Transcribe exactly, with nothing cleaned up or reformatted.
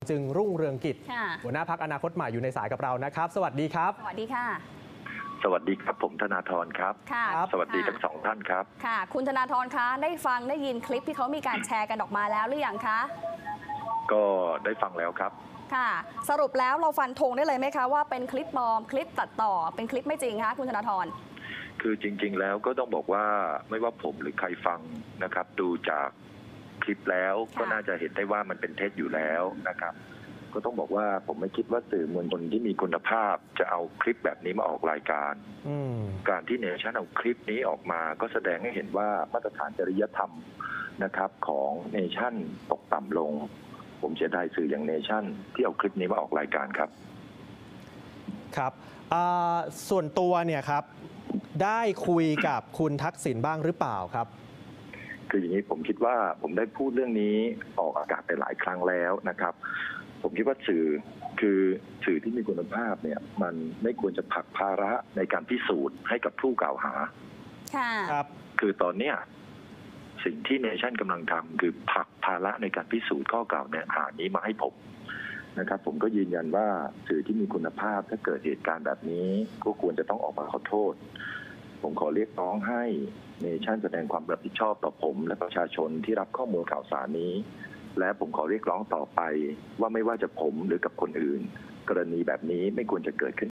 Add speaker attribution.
Speaker 1: จึงรุ่งเรืองกิจ
Speaker 2: ค่ะ
Speaker 1: หัวหน้าพรรคอนาคตใหม่อยู่ในสายกับเรานะครับสวัสดีครับ
Speaker 2: สวัสดีค่ะ
Speaker 3: สวัสดีครับผมธนาธรครับ
Speaker 2: ค่ะ
Speaker 3: สวัสดีทั้งสองท่านครับ
Speaker 2: ค่ะคุณธนาธรคะได้ฟังได้ยินคลิปที่เขามีการแชร์กันออกมาแล้วหรือยังคะ
Speaker 3: ก็ได้ฟังแล้วครับ
Speaker 2: ค่ะสรุปแล้วเราฟันธงได้เลยไหมคะว่าเป็นคลิปปลอมคลิปตัดต่อเป็นคลิปไม่จริงคะคุณธนาธร
Speaker 3: คือจริงๆแล้วก็ต้องบอกว่าไม่ว่าผมหรือใครฟังนะครับดูจากคลิปแล้วก็น่าจะเห็นได้ว่ามันเป็นเท็จอยู่แล้วนะครับก็ต้องบอกว่าผมไม่คิดว่าสื่อมวลชนที่มีคุณภาพจะเอาคลิปแบบนี้มาออกรายการการที่เนชั่นเอาคลิปนี้ออกมาก็แสดงให้เห็นว่ามาตรฐานจริยธรรมนะครับของเนชั่นตกต่ำลงผมเสียดายสื่ออย่างเนชั่นที่เอาคลิปนี้มาออกรายการครับ
Speaker 1: ครับส่วนตัวเนี่ยครับได้คุยกับคุณทักษิณบ้างหรือเปล่าครับ
Speaker 3: คืออย่างนี้ผมคิดว่าผมได้พูดเรื่องนี้ออกอากาศไปหลายครั้งแล้วนะครับผมคิดว่าสื่อคือสื่อที่มีคุณภาพเนี่ยมันไม่ควรจะผลักภาระในการพิสูจน์ให้กับผู้กล่าวหา
Speaker 2: ค่ะ
Speaker 3: ครับคือตอนเนี้ยสิ่งที่เนชั่นกำลังทำคือผลักภาระในการพิสูจน์ข้อกล่าวหานี้มาให้ผมนะครับผมก็ยืนยันว่าสื่อที่มีคุณภาพถ้าเกิดเหตุการณ์แบบนี้ก็ควรจะต้องออกมาขอโทษผมขอเรียกร้องให้เนชั่นแสดงความรับผิดชอบต่อผมและประชาชนที่รับข้อมูลข่าวสารนี้และผมขอเรียกร้องต่อไปว่าไม่ว่าจะผมหรือกับคนอื่นกรณีแบบนี้ไม่ควรจะเกิดขึ้น